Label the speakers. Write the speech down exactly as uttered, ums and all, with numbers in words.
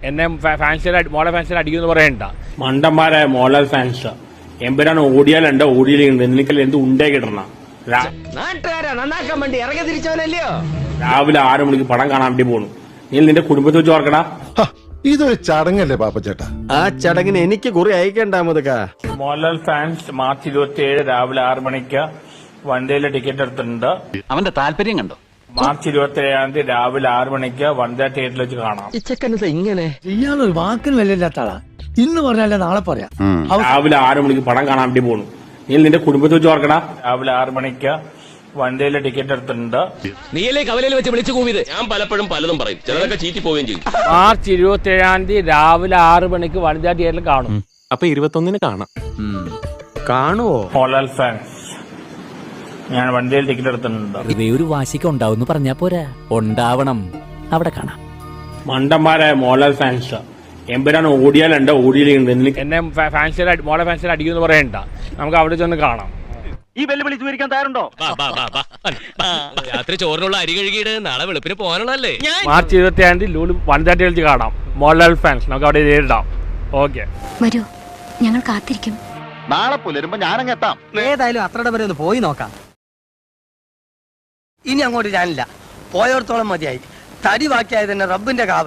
Speaker 1: എന്നെ ഫാൻസിൽ മോളെ ഫാൻസിൽ അടിക്കുമെന്ന് പറയണ്ട.
Speaker 2: മണ്ടന്മാരായ മോഹൻലാൽ ഫാൻസ് എമ്പുരാൻ ഓടിയാലുണ്ട് ഓടിയിലുണ്ട് എനിക്കെല്ലാം എന്ത് ഉണ്ടേ കിട്ടണം.
Speaker 3: നന്നാക്കാൻ വേണ്ടി ഇറങ്ങി തിരിച്ചവനല്ലയോ.
Speaker 2: രാവിലെ ആറു മണിക്ക് പടം കാണാൻ വേണ്ടി പോണു. നീ നിന്റെ കുടുംബത്തെ വെച്ച് ഓർക്കടാ.
Speaker 4: ഇതൊരു ചടങ്ങല്ലേ പാപ്പച്ചേട്ടാ?
Speaker 3: ആ ചടങ്ങിന് എനിക്ക് കുറി അയക്കണ്ട മുതക്ക.
Speaker 2: മോഹൻലാൽ ഫാൻസ് മാർച്ച് ഇരുപത്തി ഏഴ് രാവിലെ ആറു മണിക്ക് വൺഡേയിലെ ടിക്കറ്റ് എടുത്തിട്ടുണ്ട്.
Speaker 5: അവന്റെ താല്പര്യം കണ്ടോ?
Speaker 2: മാർച്ച് ഇരുപത്തി ഏഴാം തീയതി രാവിലെ ആറു മണിക്ക് വൺഡേ തിയേറ്ററിൽ വെച്ച് കാണാം.
Speaker 3: ഇച്ചക്കനത് ഇങ്ങനെ
Speaker 6: ഇയാളൊരു വാക്കിന് വിലയില്ലാത്ത ആളാ. ഇന്ന് പറഞ്ഞാലേ നാളെ പറയാം.
Speaker 2: രാവിലെ ആറു മണിക്ക് പടം കാണാൻ വേണ്ടി പോണു. നീ നിന്റെ കുടുംബത്തെ വെച്ച് ഓർക്കടാ. രാവിലെ ആറു മണിക്ക് വൺഡേയിലെ ടിക്കറ്റ് എടുത്തിട്ടുണ്ട്.
Speaker 7: നീയല്ലേ കവലയിൽ വെച്ച് വിളിച്ചു കൂവിയത്? ഞാൻ പലപ്പോഴും പലതും പറയും, ചിലതൊക്കെ ചീറ്റി പോവുകയും ചെയ്യും.
Speaker 1: മാർച്ച് ഇരുപത്തി ഏഴാം തീയതി രാവിലെ ആറു മണിക്ക് വനിതാ തിയേറ്ററിൽ കാണും.
Speaker 8: അപ്പൊ ഇരുപത്തൊന്നിന് കാണാം.
Speaker 3: കാണുവോ?
Speaker 2: മോഹൻലാൽ ഫാൻസ് ഞാൻ വണ്ടിയിൽ ടിക്കറ്റ് എടുത്തിട്ടുണ്ട്.
Speaker 9: ഇവ ഒരു വാശിക്ക് ഉണ്ടാവും പറഞ്ഞാ പോരാ, ഉണ്ടാവണം. അവിടെ കാണാം.
Speaker 2: മണ്ടന്മാരായ മോഹൻലാൽ ഫാൻസ് എമ്പുരാൻ ഓടിയാലുണ്ട് ഓടിയിലുണ്ട് എനിക്ക്
Speaker 1: എന്നെ ഫാൻസിൽ മോളെ ഫാൻസിൽ അടിക്കുമെന്ന് പറയണ്ട. നമുക്ക് അവിടെ ചെന്ന് കാണാം.
Speaker 5: ഈ വെല്ലുവിളി സ്വീകരിക്കാൻ തയ്യാറുണ്ടോ?
Speaker 7: രാത്രി ചോറിനുള്ള അരി കഴുകിയിട്ട് നാളെ വെളുപ്പിന് പോകാനുള്ളതല്ലേ.
Speaker 1: മാർച്ച് ഇരുപത്തി ഏഴാം തീയതി ലൂല് വനിതാ തിയേറ്ററിൽ വെച്ച് കാണാം. മോഹൻലാൽ ഫാൻസ് നമുക്ക് അവിടെ നേരിടാം. ഓക്കെ,
Speaker 10: വരൂ, ഞങ്ങൾ കാത്തിരിക്കും.
Speaker 5: നാളെ പുലരുമ്പോ ഞാനങ്ങ് എത്താം.
Speaker 3: ഏതായാലും അത്രയുടെ വരെ ഒന്ന് പോയി നോക്കാം. ഇനി അങ്ങോട്ട് ഞാനില്ല, പോയോടത്തോളം മതിയായി. തടി ബാക്കിയായത് തന്നെ റബ്ബിന്റെ കാവൽ.